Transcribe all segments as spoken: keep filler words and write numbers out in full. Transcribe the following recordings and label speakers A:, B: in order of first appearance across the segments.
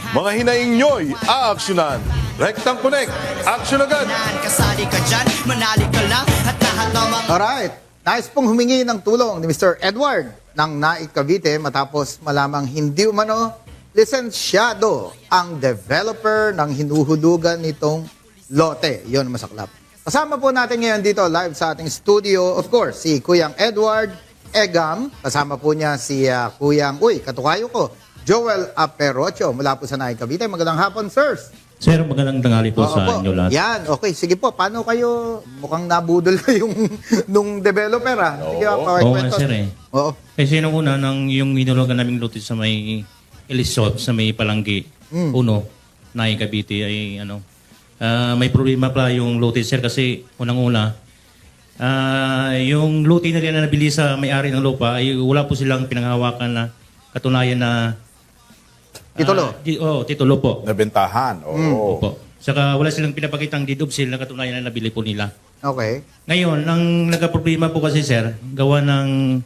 A: Mga hinaing nyo'y aaksyonan. Rectang Connect, action agad!
B: Kasali ka dyan, manali ka lang at lahat ng mga
C: Alright, nais pong humingi ng tulong ni Mister Edward ng Naik Cavite matapos malamang hindi umano lisensyado ang developer ng hinuhulugan nitong lote. Yun ang masaklap. Kasama po natin ngayon dito live sa ating studio, of course, si Kuyang Edward Egam. Kasama po niya si uh, Kuyang, uy, katukayo ko, Joel Aperocho mula po sa Naik Cavite. Magandang hapon, sirs.
D: Sir, magandang tanghali po
C: Oo
D: sa
C: po.
D: inyo lahat.
C: Yan, okay. Sige po, paano kayo, mukhang nabudol kayong nung developer ah. Sige,
A: Oo.
C: okay,
D: Oo
C: kwento.
D: nga, sir, eh.
C: Oo.
D: Kasi nung una, nang yung minulugan naming lote sa may Elisot, sa may Palanggi,
C: Mm.
D: uno, Naik Cavite, ay ano, ah, may problema pa yung lote, sir, kasi unang-una, ah, yung lote na rin na nabili sa may-ari ng lupa, ay wala po silang pinanghawakan na katunayan na
C: Titulo.
D: ah, di, oh, titulo po.
A: Nabentahan, oo.
D: Opo. Saka wala silang pinapakitang deed of sale na katunayan na nabili po nila.
C: Okay.
D: Ngayon, ang nagka-problema po kasi, sir, gawa ng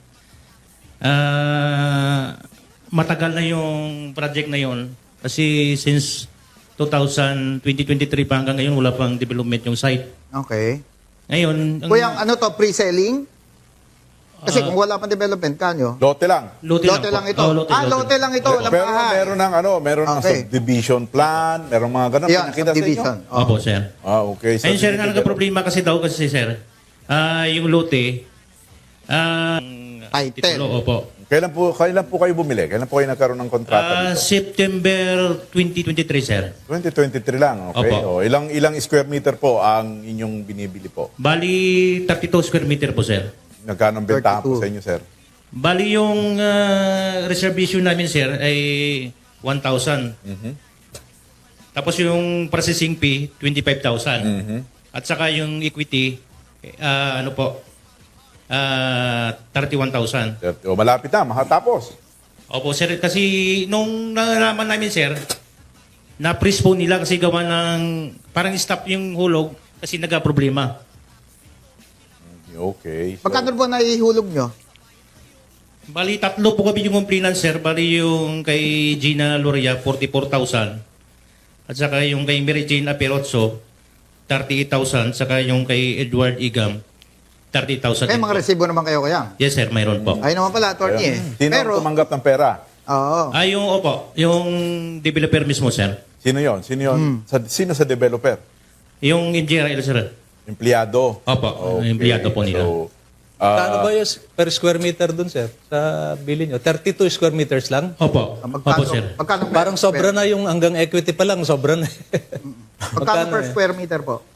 D: ah, matagal na yung project na yon. Kasi since twenty twenty-three pa hanggang ngayon, wala pang development yung site.
C: Okay.
D: Ngayon, ang
C: Kuyang, ano to, pre-selling? Kasi
D: Ah.
C: kung wala pang development, kanyo?
A: Lote lang.
D: lote,
C: Lote
D: lang,
C: lang
D: po.
C: ito.
D: Oh, lote,
C: ah,
D: lote.
C: lote lang ito. Walang
A: Pero
C: bahay.
A: meron ng ano, meron ng
C: Okay.
A: subdivision plan, meron mga ganun.
C: Yan,
A: Pinakita sa inyo?
C: subdivision. Oh.
D: Opo, sir.
A: Ah, okay.
D: Ayun, sir, ang nagka-problema kasi daw kasi, sir, ah, yung lote, ah,
C: Title.
D: titulo, opo.
A: Kailan po, kailan po kayo bumili? Kailan po kayo nagkaroon ng kontrata
D: Ah,
A: dito?
D: September twenty twenty-three, sir.
A: twenty twenty-three lang, okay. O,
D: Opo.
A: ilang ilang square meter po ang inyong binibili po?
D: Bali, thirty-two square meter po, sir.
A: Nagkano ang bentahan po
C: thirty-two.
A: sa inyo, sir?
D: Bali yung ah, reservation namin, sir, ay one thousand.
A: Mhm.
D: Tapos yung processing fee, twenty-five thousand.
A: Mhm.
D: At saka yung equity, ah, ano po, ah, thirty-one thousand.
A: O, malapit na, makatapos.
D: Opo, sir, kasi nung nalaman namin, sir, na-freeze po nila kasi gawa ng, parang stop yung hulog kasi nagka-problema.
A: Okay. So,
C: Magkano po naihulog nyo?
D: Bali, tatlo po kami yung complainant, sir. Bali, yung kay Gina Loria, forty-four thousand. At saka yung kay Mary Jane Aperozzo, thirty-eight thousand. Saka yung kay Edward Igam, thirty thousand.
C: Eh, mga resibo naman kayo, Kuyang.
D: Yes, sir. Mayroon po.
C: Ayun naman pala, attorney eh.
A: Sino ang
C: Pero,
A: tumanggap ng pera?
C: oo.
D: Ah, yung, opo, yung developer mismo, sir.
A: Sino yon? Sino yon?
C: Hmm.
A: Sa, sino sa developer?
D: Yung engineer, sir.
A: Empleyado.
D: Opo, empleyado po nila.
A: So, ah,
E: Kano ba yung per square meter dun, sir? Sa bili nyo? thirty-two square meters lang?
D: Opo.
C: Ah, Magkano,
D: Opo, sir.
C: magkano per
E: Parang sobra
C: square-
E: na yung hanggang equity pa lang, sobra na.
C: Magkano per
E: eh?
C: square meter po?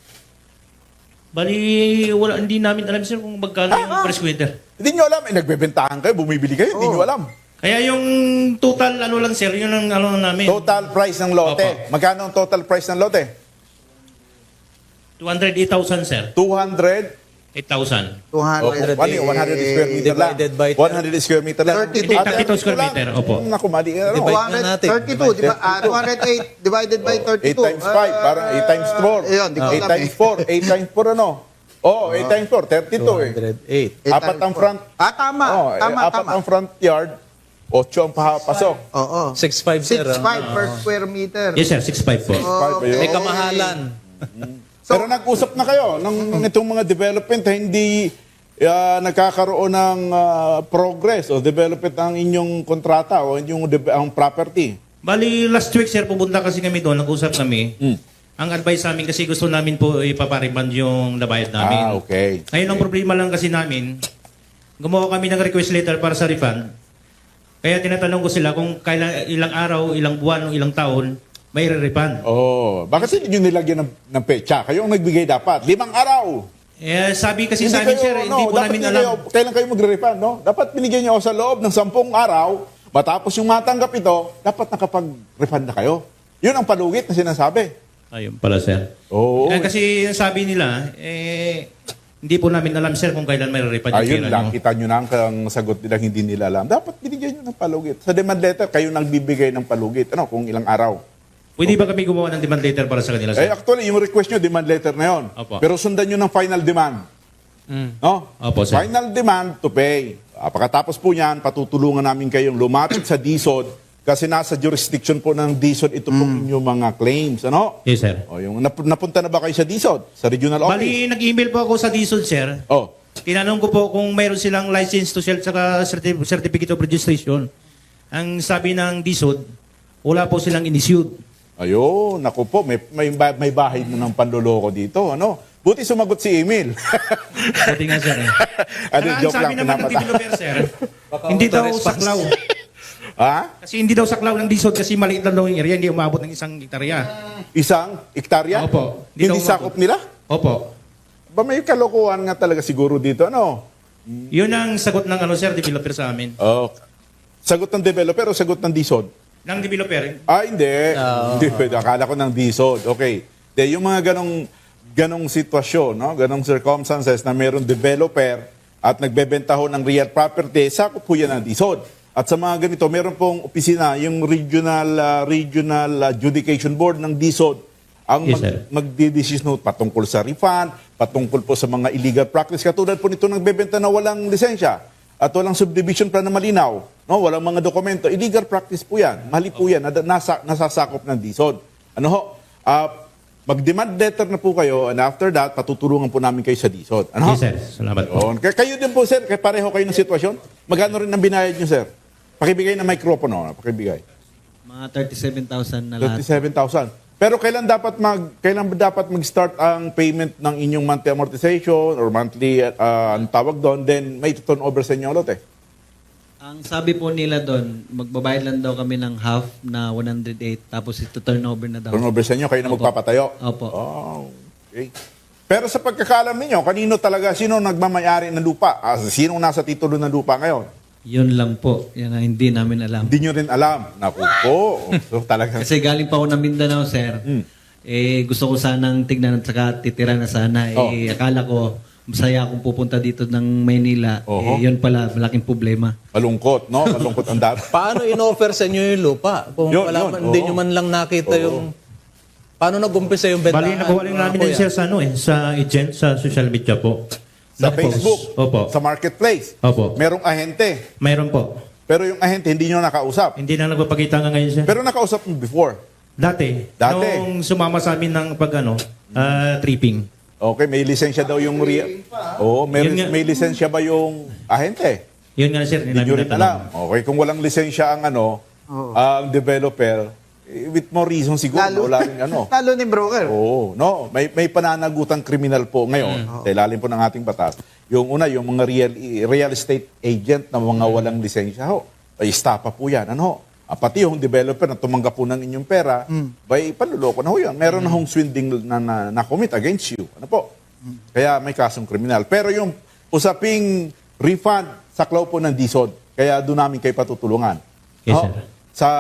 D: Bali, wala, hindi namin alam, sir, kung magkano yung per square meter.
A: hindi nyo alam, eh, nagbebentahan kayo, bumibili kayo, hindi
C: Oo.
A: nyo alam.
D: Kaya yung total, ano lang, sir, yun ang ano namin.
A: Total price ng lote.
D: Opo.
A: Magkano ang total price ng lote?
D: two hundred eight thousand, sir.
A: two hundred.
D: eight thousand.
C: two
A: Oh,
C: hundred.
A: one hundred square meter lang.
E: Divided by
A: one hundred square meter lang.
C: thirty-two.
A: Ah,
D: thirty-two square
A: lang.
D: meter, opo.
A: Hmm, Naku, mali. Ano?
E: Divide
C: two hundred
E: natin.
C: thirty-two, di ba? Ah, two hundred eight divided by
A: eight
C: thirty-two.
A: times five,
C: Ah,
A: parang eight times four.
C: Ayun, di ko
A: eight
C: alam
A: times
C: eh.
A: four. eight times four ano? Oh, eight times four, thirty-two
E: two
A: eh.
E: hundred eight.
C: Eight
A: Apat
C: times
A: ang
C: four.
A: front.
C: Ah, tama.
A: Oh, eh,
C: tama,
A: apat
C: tama.
A: ang front yard, ocho ang papasok.
C: Oo.
E: six five, sir.
C: six
E: ah.
C: five per square meter.
D: Yes, sir. six five po.
A: Five, ayun.
E: May kamahalan.
A: Pero nag-usap na kayo ng itong mga development eh, hindi ah, nagkakaroon ng ah, progress o development ang inyong kontrata o inyong de- ang property.
D: Bali, last week, sir, pupunta kasi kami doon. Nag-usap kami.
A: Hmm.
D: Ang advice sa amin kasi gusto namin po ipapariban yung nabayad namin.
A: Ah, okay.
D: Ngayon, ang problema lang kasi namin, gumawa kami ng request letter para sa refund. Kaya tinatanong ko sila kung kailan, ilang araw, ilang buwan, o ilang taon, may re-refund.
A: Oh, bakit hindi nyo nilagyan ng, ng pecha? Kayo ang nagbigay dapat. Limang araw.
D: Eh, sabi kasi sa amin, sir, hindi po
A: dapat
D: namin
A: hindi
D: alam.
A: Kayo, kailan kayo magre-refund, no? Dapat binigyan nyo sa loob ng sampung araw, matapos yung matanggap ito, dapat nakapag-refund na kayo. Yun ang palugit na sinasabi.
D: Ayun pala, sir.
A: Oo.
D: Eh, kasi ang sabi nila, eh, hindi po namin alam, sir, kung kailan may re-refund yung
A: Ayun
D: pera
A: lang,
D: nyo.
A: kita nyo na ang, ang sagot nila hindi nila alam. Dapat binigyan nyo ng palugit. Sa demand letter, kayo nagbibigay ng palugit. Ano, kung ilang araw.
D: Pwede ba kami gumawa ng demand letter para sa kanila,
A: Eh,
D: sir?
A: actually, yung request nyo, demand letter na yun.
D: Opo.
A: Pero sundan nyo ng final demand. No?
D: Opo, sir.
A: Final demand to pay. Ah, pagkatapos po niyan, patutulungan namin kayong lumapit sa D S O D Kasi nasa jurisdiction po ng D S O D ito pong inyong mga claims. Ano?
D: Yes, sir.
A: O, yung nap- napunta na ba kayo sa D S O D? Sa regional office?
D: Bali, nag-email po ako sa D S O D, sir.
A: Oh.
D: Tinanong ko po kung mayroon silang license to sell saka certi- certificate of registration. Ang sabi ng D S O D, wala po silang in-issued.
A: Ayun, naku po, may, may, ba- may bahay na ng panloloko dito. Ano? Buti sumagot si Emil.
D: Buti nga, sir. Eh.
A: Ano,
D: Saka ang
A: joke
D: sabi
A: lang,
D: naman ng
A: pinapata.
D: developer, sir, hindi daw
E: auto-response.
D: saklaw.
A: Ha?
D: Kasi hindi daw saklaw ng D S O D kasi maliit lang daw yung area, hindi umabot ng isang hektarya.
A: Isang hektarya?
D: Opo. Di
A: Hindi
D: daw
A: sakop nila?
D: Opo.
A: Ba may kalokohan nga talaga siguro dito, ano?
D: Yun ang sagot ng ano, sir, developer sa amin.
A: Oh. Sagot ng developer o sagot ng D S O D?
D: Ng developer,
A: Ah, hindi. Hindi pwede. Akala ko ng D S O D. Okay. De, yung mga ganong, ganong sitwasyon, no? Ganong circumstances na mayroong developer at nagbebenta ho ng real property, sakop po yan ng D S O D. At sa mga ganito, meron pong opisina, yung Regional ah, Regional Adjudication Board ng D S O D, ang
D: Yes,
A: mag,
D: sir.
A: magdidesisyon ho patungkol sa refund, patungkol po sa mga illegal practice. Katulad po nito nagbebenta na walang lisensya at walang subdivision plan na malinaw, no? Walang mga dokumento. Illegal practice po yan. Mali po yan. Nada- Nasa, nasasakop ng D S O D. Ano ho? Ah, mag-demand letter na po kayo and after that, patutulungan po namin kayo sa D S O D. Ano ho?
D: yes, sir. Salamat po.
A: Yun. Kaya kayo din po, sir. Kaya pareho kayo ng sitwasyon. Magkano rin ang binayad nyo, sir? Pakibigay ng microphone, oh. Pakibigay.
F: Mga thirty-seven thousand na lahat.
A: thirty-seven thousand. Pero kailan dapat mag kailan ba dapat mag-start ang payment ng inyong monthly amortization or monthly uh, ang tawag doon, then may turn over sa inyo ulit eh.
F: Ang sabi po nila doon, magbabayad lang daw kami ng half na one hundred eight tapos ito turnover na daw.
A: Turn over sa inyo, kayo na
F: Opo.
A: magpapatayo.
F: Opo.
A: Oh, okay. Pero sa pagkakaalam ninyo, kanino talaga, sino nagmamayari ng lupa? Ah, sinong nasa titulo ng lupa ngayon?
F: Yun lang po. Yan ang hindi namin alam.
A: Hindi nyo rin alam. Naku po. So talaga.
F: Kasi galing pa ako ng Mindanao, sir.
A: Mm.
F: Eh, gusto ko sanang tignan at saka titira na sana.
A: Oh.
F: Eh, akala ko, masaya akong pupunta dito ng Maynila.
A: Oho.
F: Eh, yun pala, malaking problema.
A: Malungkot, no? Malungkot ang dapat.
E: Paano in-offer sa inyo yung lupa? Kung
A: Yun,
E: wala
A: yun,
E: man, hindi
A: oo.
E: nyo man lang nakita
A: Oo.
E: yung... Paano nag-umpisa yung bentahan?
D: Bali, nakuha rin namin
E: mga
D: din,
E: kuya?
D: sir, sa, ano, eh, sa agent, sa social media po.
A: Sa
D: Na-post.
A: Facebook,
D: Opo.
A: sa marketplace.
D: Opo.
A: Merong ahente.
D: Mayroon po.
A: Pero yung ahente, hindi nyo nakausap.
D: Hindi na nagpapakita nga ngayon, sir.
A: Pero nakausap mo before.
D: Dati.
A: Dati.
D: Nung sumama sa amin ng pag, ano, ah, tripping.
A: Okay, may lisensya daw yung real. Oo, may,
D: Yun nga.
A: may lisensya ba yung ahente?
D: Yun nga, sir.
A: Hindi nyo rin alam. Okay, kung walang lisensya ang ano,
C: Oo.
A: ang developer, eh, with more reason siguro,
C: Lalo,
A: wala rin ano.
C: lalo ni broker.
A: Oo, no, may may pananagutang kriminal po ngayon sa ilalim po ng ating batas. Yung una, yung mga real real estate agent na mga walang lisensya ho. Ay estapa po 'yan, ano ho. Ah, pati yung developer na tumanggap po ng inyong pera, bay panloloko na ho 'yan. Meron na hong swindling na, na, na commit against you. Ano po? Kaya may kasong kriminal. Pero yung usaping refund, saklaw po ng D S O D. Kaya doon namin kayo patutulungan.
D: Yes,
A: Ho?
D: sir.
A: Sa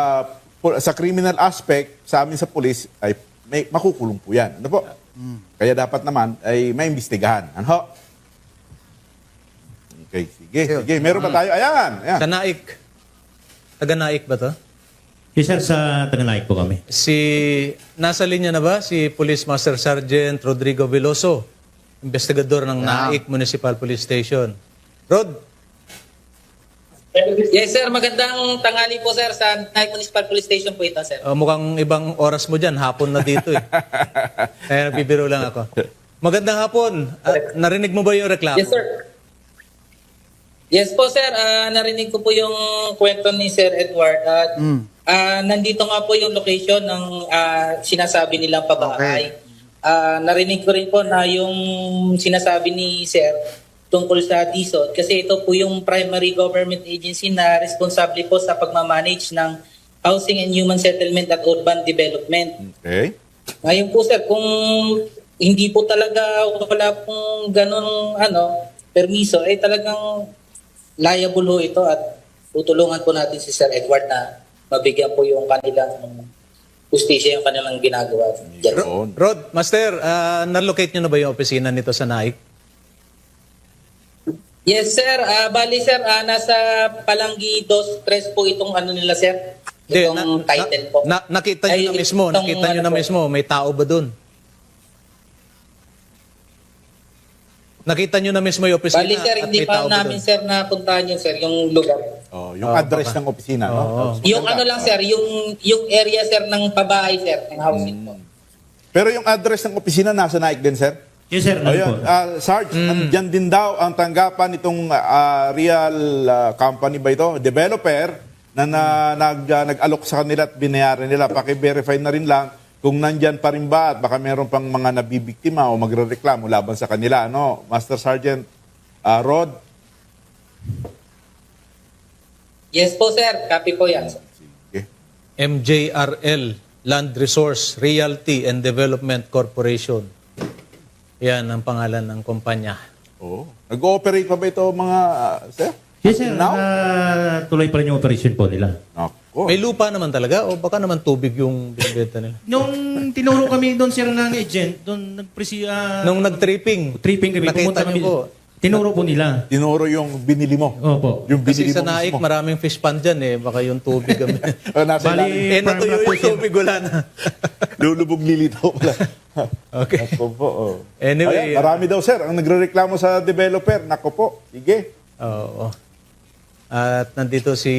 A: sa criminal aspect, sa amin sa police, ay may makukulong po yan. Ano po? Kaya dapat naman ay may imbestigahan. Ano ho? Okay, sige, sige. Meron pa tayo? Ayan, ayan.
E: Sa Naik. Taga Naik ba to?
D: Yes, sir, sa Taganayik po kami.
E: Si... Nasa linya na ba? Si Police Master Sergeant Rodrigo Veloso. Investigador ng Naik Municipal Police Station. Rod,
G: Yes, sir. Magandang tanghali po, sir. Sa Naik Municipal Police Station po ito, sir.
E: uh, mukhang ibang oras mo dyan. Hapon na dito eh. Kaya nagbibiro lang ako. Magandang hapon. At narinig mo ba yung reklamo?
G: Yes, sir. Yes po, sir. Ah, narinig ko po yung kwento ni Sir Edward. At ah, nandito nga po yung location ng ah, sinasabi nilang pabahay. Ah, narinig ko rin po na yung sinasabi ni Sir tungkol sa D S O D kasi ito po yung primary government agency na responsable po sa pagmamanage ng Housing and Human Settlement at Urban Development.
A: Okay.
G: Ngayon po sir, kung hindi po talaga wala pong ganun ano, permiso, eh talagang liable ho ito at tutulungan po natin si Sir Edward na mabigyan po yung kanilang justisya yung kanilang ginagawa. Diyan.
A: Yun.
E: Rod, Master, uh, na-locate nyo na ba yung opisina nito sa Naik?
G: Yes sir, Ah, bali sir, ah, nasa Palanggi dos tres po itong ano nila sir,
E: Hindi,
G: itong title po.
E: na- nakita nyo
G: Ay,
E: na mismo,
G: itong
E: nakita nyo
G: ano
E: na
G: po. mismo.
E: mismo, may tao ba dun? Nakita nyo na mismo yung opisina
G: Bali sir,
E: at
G: hindi
E: may
G: pa
E: tao ba
G: namin
E: doon?
G: sir napuntahan yun sir, yung lugar.
A: Oh, yung
E: Oo,
A: address
E: baka.
A: ng opisina, no?
E: Oo.
G: Yung ano lang sir, yung yung area sir ng pabahay sir, ng housing po.
A: Pero yung address ng opisina nasa Naik din, sir?
D: Yes, sir.
A: O
D: Ano
A: yun,
D: po?
A: ah, Sarge, nandyan din daw ang tanggapan itong ah, real ah, company ba ito, developer, na, na nag, ah, nag-alok sa kanila at binayaran nila. Paki-verify na rin lang kung nandyan pa rin ba at baka meron pang mga nabibiktima o magre-reklamo laban sa kanila. Ano, Master Sergeant ah, Rod?
G: Yes po sir, copy po yan.
A: Sige.
E: M J R L, Land Resource Realty and Development Corporation. Yan ang pangalan ng kumpanya.
A: Oh. Nag-ooperate pa ba ito mga, ah, sir?
D: Yes, sir.
A: Now?
D: Ah, tuloy pa rin yung operation po nila.
A: Ako.
E: May lupa naman talaga o baka naman tubig yung binibenta nila?
D: Nung tinuro kami doon, sir, ng agent, doon nagpresi... ah,
E: Nung nag-tripping,
D: tripping kami,
E: nakita
D: pumunta
E: niyo
D: kami.
E: po.
D: Tinuro po nila.
A: Tinuro yung binili mo.
D: Opo.
A: Yung
E: Kasi
A: binili
E: sa
A: mo
E: Naik,
A: mismo.
E: maraming fish pond dyan eh. Baka yung tubig kami.
A: Oh, nasa
D: Bali,
A: ilalim.
E: eh, natuyo
D: farm na po,
E: yung
D: sir.
E: tubig, wala na.
A: Lulubog lilitaw pala.
E: Okay.
A: Ako po, oh.
E: Anyway,
A: Ayan, marami daw, sir, ang nagrereklamo sa developer. Nako po, sige.
E: Oo. At nandito si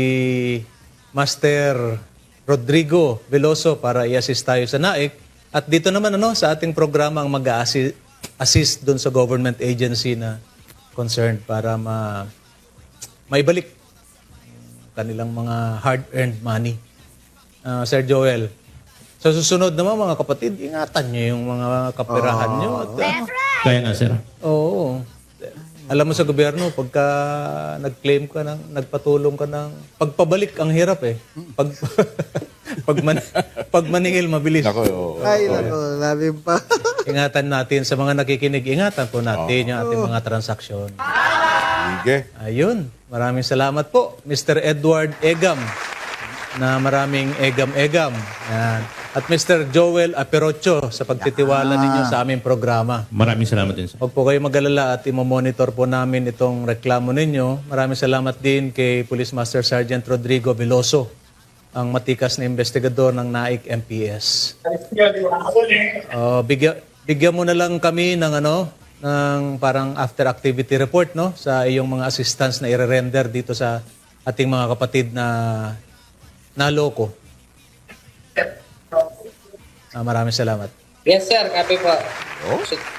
E: Master Rodrigo Veloso para i-assist tayo sa Naik. At dito naman ano sa ating programa ang mag-assist doon sa government agency na concerned para ma maibalik ang kanilang mga hard-earned money. Ah, Sir Joel, sa susunod naman mga kapatid, ingatan niyo yung mga kapirahan niyo. At, ah,
D: Kaya nga, sir.
E: Oo. Alam mo sa gobyerno, pagka nag-claim ka ng, nagpatulong ka ng, pagpabalik ang hirap eh. Pag, pag, man, pag maningil, mabilis.
A: Nako, oh.
C: Ay, nako, labi pa.
E: Ingatan natin sa mga nakikinig, ingatan po natin yung ating mga transaksyon.
A: Sige.
E: Ayun. Maraming salamat po, Mister Edward Egam, na maraming egam-egam. Yan. At Mister Joel Aperocho sa pagtitiwala ninyo sa aming programa.
D: Maraming salamat din, sir.
E: Huwag po kayo mag-alala at imomonitor po namin itong reklamo ninyo. Maraming salamat din kay Police Master Sergeant Rodrigo Veloso, ang matikas na investigador ng Naik M P S. Uh, bigyan, bigyan mo na lang kami ng ano, ng parang after activity report no sa iyong mga assistance na i-render dito sa ating mga kapatid na naloko. Ah, maraming salamat.
G: Yes sir, copy po.
A: Oh.